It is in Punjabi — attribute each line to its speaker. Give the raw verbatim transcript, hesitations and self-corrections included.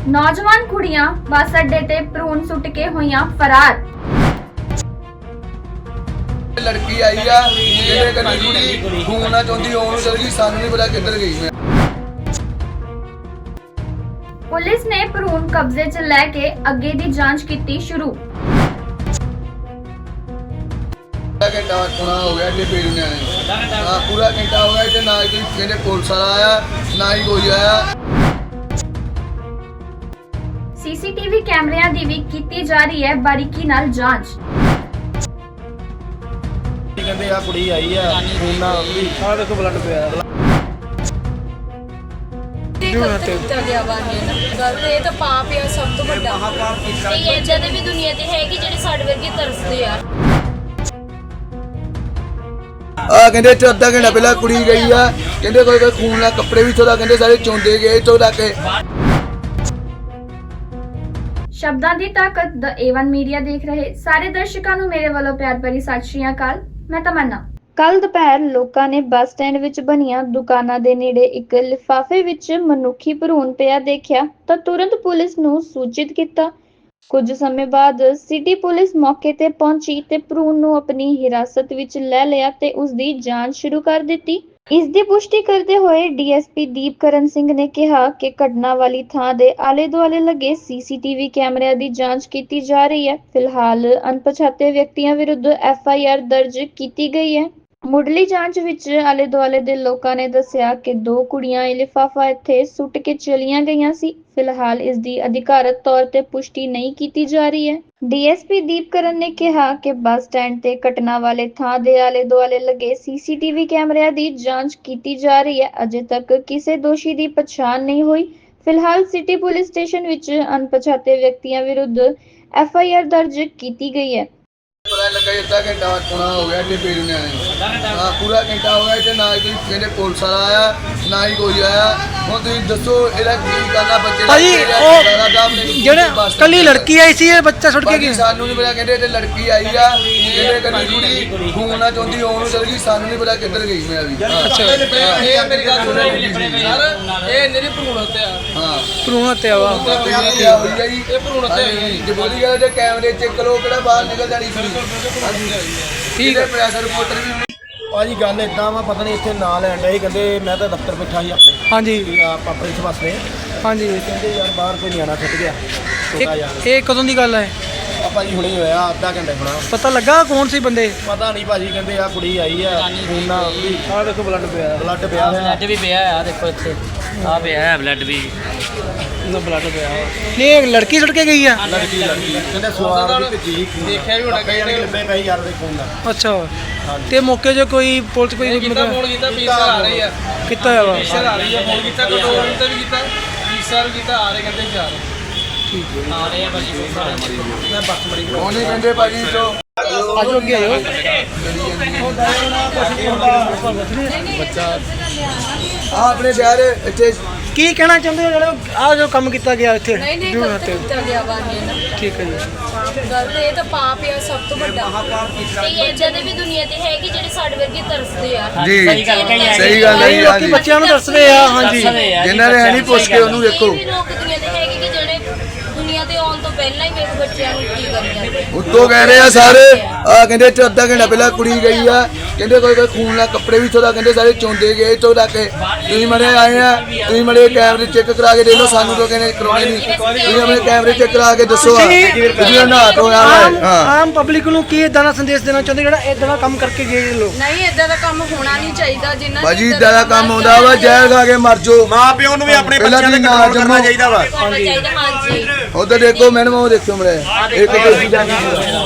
Speaker 1: नौजवान कुड़ियां बस अड्डे ते भ्रूण सुट के होईयां फरार।
Speaker 2: लड़की आई है जेडे कन्नै कुड़ी घूमना चाहती ओनू चल गई, सानू नहीं पता किधर गई। मैं
Speaker 1: पुलिस ने भ्रूण कब्जे च लैके अगे दी जांच कीती शुरू।
Speaker 2: घंटा होना हो गया इतने पेड़ ने हाँ पूरा घंटा हो गया इतने ना ही कोई पुलिस वाला आया ना ही कोई आया।
Speaker 1: सीसीटीवी कैमरिਆਂ ਦੀ ਵੀ ਕੀਤੀ ਜਾ ਰਹੀ ਹੈ ਬਾਰੀਕੀ ਨਾਲ ਜਾਂਚ।
Speaker 3: ਕਹਿੰਦੇ ਆ ਕੁੜੀ ਆਈ ਆ ਖੂਨਾ ਵੀ ਆ ਦੇਖੋ ਬਲੱਡ ਪਿਆ
Speaker 4: ਕੀਤਾ ਗਿਆ ਵਾ ਇਹ ਗੱਲ ਇਹ ਤਾਂ ਪਾਪ ਆ ਸਭ ਤੋਂ ਵੱਡਾ ਤੇ ਇਦਾਂ ਦੇ ਵੀ ਦੁਨੀਆ ਤੇ ਹੈਗੀ ਜਿਹੜੇ ਸਾਡੇ ਵਰਗੇ ਤਰਸਦੇ ਆ।
Speaker 2: ਆ ਕਹਿੰਦੇ ਇੱਥੇ ਅੱਧਾ ਘੰਟਾ ਪਹਿਲਾਂ ਕੁੜੀ ਗਈ ਆ, ਕਹਿੰਦੇ ਕੋਈ ਕੋਈ ਖੂਨ ਨਾਲ ਕੱਪੜੇ ਵੀ ਥੋੜਾ ਕਹਿੰਦੇ ਸਾਰੇ ਚੋਂਦੇ ਗਏ ਤੋਂ ਤੱਕ।
Speaker 1: ਸ਼ਬਦਾਂ ਦੀ ਤਾਕਤ ਦ ਏ ਵਨ ਮੀਡੀਆ ਦੇਖ ਰਹੇ ਸਾਰੇ ਦਰਸ਼ਕਾਂ ਨੂੰ ਮੇਰੇ ਵੱਲੋਂ ਪਿਆਰ ਭਰੀ ਸਤਿ ਸ਼੍ਰੀ ਅਕਾਲ। ਮੈਂ ਤਮੰਨਾ। ਕੱਲ ਦੁਪਹਿਰ ਲੋਕਾਂ ਨੇ ਬੱਸ ਸਟੈਂਡ ਵਿੱਚ ਬਣੀਆਂ ਦੁਕਾਨਾਂ ਦੇ ਨੇੜੇ ਇੱਕ ਲਿਫਾਫੇ ਵਿੱਚ ਮਨੁੱਖੀ ਭਰੂਣ ਪਿਆ ਦੇਖਿਆ ਤਾਂ ਤੁਰੰਤ ਪੁਲਿਸ ਨੂੰ ਸੂਚਿਤ ਕੀਤਾ। ਕੁਝ ਸਮੇਂ ਬਾਅਦ ਸਿਟੀ ਪੁਲਿਸ ਮੌਕੇ ਤੇ ਪਹੁੰਚੀ ਤੇ ਭਰੂਣ ਨੂੰ ਆਪਣੀ ਹਿਰਾਸਤ ਵਿੱਚ ਲੈ ਲਿਆ ਤੇ ਉਸ ਦੀ ਜਾਂਚ ਸ਼ੁਰੂ ਕਰ ਦਿੱਤੀ। ਇਸ ਦੀ ਪੁਸ਼ਟੀ ਕਰਦੇ ਹੋਏ D S P Deepkaran Singh ਨੇ ਕਿਹਾ ਕਿ ਘਟਨਾ ਵਾਲੀ ਥਾਂ ਦੇ ਆਲੇ ਦੁਆਲੇ ਲੱਗੇ ਸੀ ਸੀ ਟੀ ਵੀ ਕੈਮਰਿਆਂ ਦੀ ਜਾਂਚ ਕੀਤੀ ਜਾ ਰਹੀ ਹੈ। ਫਿਲਹਾਲ ਅਣਪਛਾਤੇ ਵਿਅਕਤੀਆਂ ਵਿਰੁੱਧ ਐਫ ਆਈ ਆਰ ਦਰਜ ਕੀਤੀ ਗਈ ਹੈ। ਮੁੱਢਲੀ ਜਾਂਚ ਵਿੱਚ ਆਲੇ ਦੁਆਲੇ ਦੇ ਲੋਕਾਂ ਨੇ ਦੱਸਿਆ ਕਿ ਦੋ ਕੁੜੀਆਂ ਇਹ ਲਿਫਾਫਾ ਇੱਥੇ ਸੁੱਟ ਕੇ ਚਲੀਆਂ ਗਈਆਂ ਸੀ। ਫਿਲਹਾਲ ਇਸ ਦੀ ਅਧਿਕਾਰਤ ਤੌਰ ਤੇ ਪੁਸ਼ਟੀ ਨਹੀਂ ਕੀਤੀ ਜਾ ਰਹੀ ਹੈ। ਡੀ ਐਸ ਪੀ ਦੀਪਕਰਨ ਨੇ ਕਿਹਾ ਕਿ ਬੱਸ ਸਟੈਂਡ ਤੇ ਘਟਨਾ ਵਾਲੇ ਥਾਂ ਦੇ ਆਲੇ ਦੁਆਲੇ ਲੱਗੇ ਸੀ ਸੀ ਟੀ ਵੀ ਕੈਮਰਿਆਂ ਦੀ ਜਾਂਚ ਕੀਤੀ ਜਾ ਰਹੀ ਹੈ। ਅਜੇ ਤੱਕ ਕਿਸੇ ਦੋਸ਼ੀ ਦੀ ਪਛਾਣ ਨਹੀਂ ਹੋਈ। ਫਿਲਹਾਲ ਸਿਟੀ ਪੁਲਿਸ ਸਟੇਸ਼ਨ ਵਿੱਚ ਅਣਪਛਾਤੇ ਵਿਅਕਤੀਆਂ ਵਿਰੁੱਧ ਐਫ ਆਈ ਆਰ ਦਰਜ ਕੀਤੀ ਗਈ ਹੈ।
Speaker 2: पता लगा अद्धा घंटा होना हो गया इतने पेड़ ने हाँ पूरा घंटा हो गया इतने ना ही कोई कहते पुलिस वाला आया ना ही कोई आया। ਹੁਣ ਤੁਸੀਂ ਦੱਸੋ ਇਹਦਾ ਕੀ ਕਰਨਾ ਬੱਚੇ
Speaker 5: ਭਾਜੀ ਉਹ ਜਿਹੜੇ ਕੱਲੀ ਲੜਕੀ ਆਈ ਸੀ ਇਹ ਬੱਚਾ ਛੁੱਟ ਕੇ ਗਿਆ।
Speaker 2: ਸਾਨੂੰ ਨਹੀਂ ਪਤਾ ਕਹਿੰਦੇ ਤੇ ਲੜਕੀ ਆਈ ਆ ਜਿਹੜੇ ਕਦੀ ਕੁੜੀ ਘੂਮਣਾ ਚਾਹੁੰਦੀ ਉਹਨੂੰ ਚਲ ਗਈ, ਸਾਨੂੰ ਨਹੀਂ ਪਤਾ ਕਿੱਧਰ ਗਈ। ਮੈਂ ਵੀ
Speaker 5: ਅੱਛਾ
Speaker 3: ਇਹ ਮੇਰੀ ਗੱਲ ਸੁਣੋ ਸਰ ਇਹ ਮੇਰੀ ਭਰੂਣ ਹੱਤਿਆ
Speaker 2: ਹਾਂ
Speaker 5: ਭਰੂਣ ਹੱਤਿਆ ਵਾ
Speaker 2: ਇਹ ਭਰੂਣ ਹੱਤਿਆ ਜੇ ਬੋਲੀ ਗਿਆ ਤੇ ਕੈਮਰੇ ਚੈੱਕ ਕਰੋ ਕਿਹੜਾ ਬਾਹਰ ਨਿਕਲ ਜਾਣੀ ਸੀ।
Speaker 5: ਠੀਕ ਹੈ
Speaker 2: ਪ੍ਰੈਸ ਰਿਪੋਰਟਰ ਵੀ
Speaker 3: ਭਾਜੀ ਗੱਲ ਇਦਾਂ ਵਾ ਪਤਾ ਨਹੀਂ ਇੱਥੇ ਨਾਂ ਲੈਣ ਡਏ ਸੀ, ਕਹਿੰਦੇ ਮੈਂ ਤਾਂ ਦਫ਼ਤਰ ਬੈਠਾ ਸੀ ਆਪਣੇ
Speaker 5: ਹਾਂਜੀ
Speaker 3: ਵੀ ਆਪ ਪ੍ਰਿੰਸ ਵਾਸਤੇ
Speaker 5: ਹਾਂਜੀ
Speaker 3: ਕਹਿੰਦੇ ਯਾਰ ਬਾਹਰ ਕੋਈ ਨਿਆਣਾ ਛੱਡ ਗਿਆ ਛੋਟਾ ਜਿਹਾ।
Speaker 5: ਇਹ ਇਹ ਕਦੋਂ ਦੀ ਗੱਲ ਹੈ?
Speaker 3: ਆ ਭਾਜੀ ਹੁਣੇ ਹੋਇਆ ਅੱਧਾ ਘੰਟਾ ਹੋਣਾ।
Speaker 5: ਪਤਾ ਲੱਗਾ ਕੌਣ ਸੀ ਬੰਦੇ?
Speaker 3: ਪਤਾ ਨਹੀਂ ਭਾਜੀ ਕਹਿੰਦੇ ਆ ਕੁੜੀ ਆਈ ਆ ਖੂਨਾ ਵੀ ਆ ਦੇਖੋ ਬਲੱਡ ਪਿਆ ਬਲੱਡ ਪਿਆ
Speaker 6: ਬਲੱਡ ਵੀ ਪਿਆ ਆ ਦੇਖੋ ਇੱਥੇ ਆ ਪਿਆ ਹੈ ਬਲੱਡ ਵੀ
Speaker 3: ਨਾ ਬਲੱਡ ਪਿਆ
Speaker 5: ਨਹੀਂ ਇਹ ਲੜਕੀ ਛੁੱਟ ਕੇ ਗਈ ਆ।
Speaker 3: ਲੜਕੀ ਲੜਕੀ ਕਹਿੰਦੇ ਸਵਾਰ ਦੀ ਭੇਜੀ ਦੇਖਿਆ ਵੀ ਹੋਣਾ ਕਈ ਜਣੇ ਲੱਭੇ ਪਏ ਯਾਰ ਦੇ ਖੂਨ ਦਾ।
Speaker 5: ਅੱਛਾ ਤੇ ਮੌਕੇ 'ਚ ਕੋਈ ਪੁਲਿਸ ਕੋਈ
Speaker 3: ਕੀਤਾ ਫੋਨ ਕੀਤਾ ਪੀਸਰ ਆ ਰਹੀ ਆ
Speaker 5: ਕੀਤਾ ਹੋਇਆ ਵਾ?
Speaker 3: ਪੀਸਰ ਆ ਰਹੀ ਆ ਫੋਨ ਕੀਤਾ ਕੋਈ ਦੋ ਮਿੰਟ ਤੇ ਵੀ ਕੀਤਾ ਪੀਸਰ ਕੀਤਾ ਆ ਰਹੇ ਕਹਿੰਦੇ ਚਾਰ
Speaker 5: ਠੀਕ ਹੈ
Speaker 6: ਆ ਰਹੇ ਆ ਭਾਜੀ
Speaker 3: ਮੈਂ ਬੱਸ ਮਰੀ
Speaker 2: ਉਹਨੇ ਕਹਿੰਦੇ ਭਾਜੀ ਤੋਂ
Speaker 5: ਆਜੋ ਅੱਗੇ ਆਜੋ।
Speaker 2: ਆ ਆਪਣੇ ਸ਼ਹਿਰ ਇੱਥੇ
Speaker 5: ਕੀ ਕਹਿਣਾ ਚਾਹੁੰਦੇ ਹੋ ਜਿਹੜੇ ਆਹ ਜੋ ਕੰਮ ਕੀਤਾ ਗਿਆ ਇੱਥੇ?
Speaker 4: ਨਹੀਂ ਨਹੀਂ
Speaker 5: ਭਰੂਣ
Speaker 4: ਗਲਤ
Speaker 5: ਹੱਤਿਆ।
Speaker 4: ਕੀਤਾ ਗਿਆ ਵਾ ਇਹ
Speaker 5: ਠੀਕ ਹੈ ਜੀ
Speaker 4: ਗੱਲ ਇਹ ਤਾਂ ਪਾਪ ਆ ਸਭ ਤੋਂ ਵੱਡਾ ਤੇ ਇਦਾਂ ਦੇ ਵੀ ਦੁਨੀਆ ਤੇ ਹੈਗੀ ਜਿਹੜੇ ਸਾਡੇ ਵਰਗੇ ਤਰਸਦੇ ਆ।
Speaker 2: ਜੀ
Speaker 6: ਸਹੀ ਗੱਲ ਕਹੀ ਹੈ।
Speaker 2: ਸਹੀ ਗੱਲ ਹੈ
Speaker 5: ਕਈ
Speaker 2: ਜੀ,
Speaker 5: ਲੋਕੀ
Speaker 2: ਹਾਂਜੀ।
Speaker 5: ਬੱਚਿਆਂ ਨੂੰ ਦੱਸਦੇ ਆ। ਹਾਂਜੀ
Speaker 2: ਜਿਨ੍ਹਾਂ ਨੇ ਹੈ ਨਹੀਂ ਪੁੱਛ ਕੇ ਉਹਨੂੰ ਦੇਖੋ।
Speaker 4: ਕਈ ਵੀ ਲੋਕ ਦੁਨੀਆ ਤੇ ਹੈਗੇ ਕਿ ਜਿਹੜੇ ਦੁਨੀਆ ਤੇ ਆਉਣ ਤੋਂ ਪਹਿਲਾਂ ਹੀ ਵੇਖ ਬੱਚਿਆਂ ਨੂੰ ਕੀ ਕਰੀ ਜਾਂਦੇ।
Speaker 2: ਉੱਤੋਂ ਕਹਿ ਰਹੇ ਆ ਸਾਰੇ ਆ ਕਹਿੰਦੇ ਇੱਥੇ ਅੱਧਾ ਘੰਟਾ ਪਹਿਲਾਂ ਕੁੜੀ ਗਈ ਆ, ਕਹਿੰਦੇ ਕੋਈ ਕੋਈ ਖੂਨ ਨਾਲ ਕੱਪੜੇ ਵੀ ਥੋੜਾ ਕਹਿੰਦੇ ਸਾਰੇ ਚੋਂਦੇ ਗਏ ਤੋਂ ਤੱਕ। ਤੁਸੀਂ ਮੜੇ ਆਏ ਆ ਤੁਸੀਂ ਮੜੇ ਕੈਮਰੇ ਚੈੱਕ ਕਰਾ ਕੇ ਦੇਖ ਲਓ, ਸਾਨੂੰ ਤਾਂ ਕਹਿੰਦੇ ਕਰਾਉਣੇ ਨਹੀਂ। ਤੁਸੀਂ ਆਪਣੇ ਕੈਮਰੇ ਚੈੱਕ ਕਰਾ ਕੇ ਦੱਸੋ ਆ ਜਿਹਨਾਂ ਨਹਾ ਧੋਇਆ
Speaker 5: ਆਮ
Speaker 2: ਹਾਂ
Speaker 5: ਆਮ ਪਬਲਿਕ ਨੂੰ ਕੀ ਇਦਾਂ ਦਾ ਸੰਦੇਸ਼ ਦੇਣਾ ਚਾਹੁੰਦੇ ਜਿਹੜਾ ਇਦਾਂ ਦਾ ਕੰਮ ਕਰਕੇ ਗਏ ਲੋਕ?
Speaker 4: ਨਹੀਂ ਇਦਾਂ ਦਾ ਕੰਮ ਹੋਣਾ ਨਹੀਂ ਚਾਹੀਦਾ। ਜਿੰਨਾ
Speaker 2: ਭਾਜੀ ਇਦਾਂ ਦਾ ਕੰਮ ਆਉਂਦਾ ਵਾ ਜ਼ਹਿਰ ਖਾ ਕੇ ਮਰ ਜਾਓ।
Speaker 3: ਮਾਂ ਪਿਓ ਨੂੰ ਵੀ ਆਪਣੇ
Speaker 2: ਪਹਿਲਾਂ
Speaker 3: ਬੱਚਿਆਂ ਦੇ
Speaker 2: ਤੁਸੀਂ ਨਾ
Speaker 3: ਕੰਟਰੋਲ ਕਰਨਾ
Speaker 2: ਜੰਮੋ।
Speaker 3: ਚਾਹੀਦਾ ਵਾ।
Speaker 4: ਚਾਹੀਦਾ ਹਾਂਜੀ
Speaker 2: ਉਧਰ ਦੇਖੋ ਮੈਡਮ ਉਹ ਦੇਖੋ ਮੜੇ ਇੱਕ ਦੋ ਚੀਜ਼ਾਂ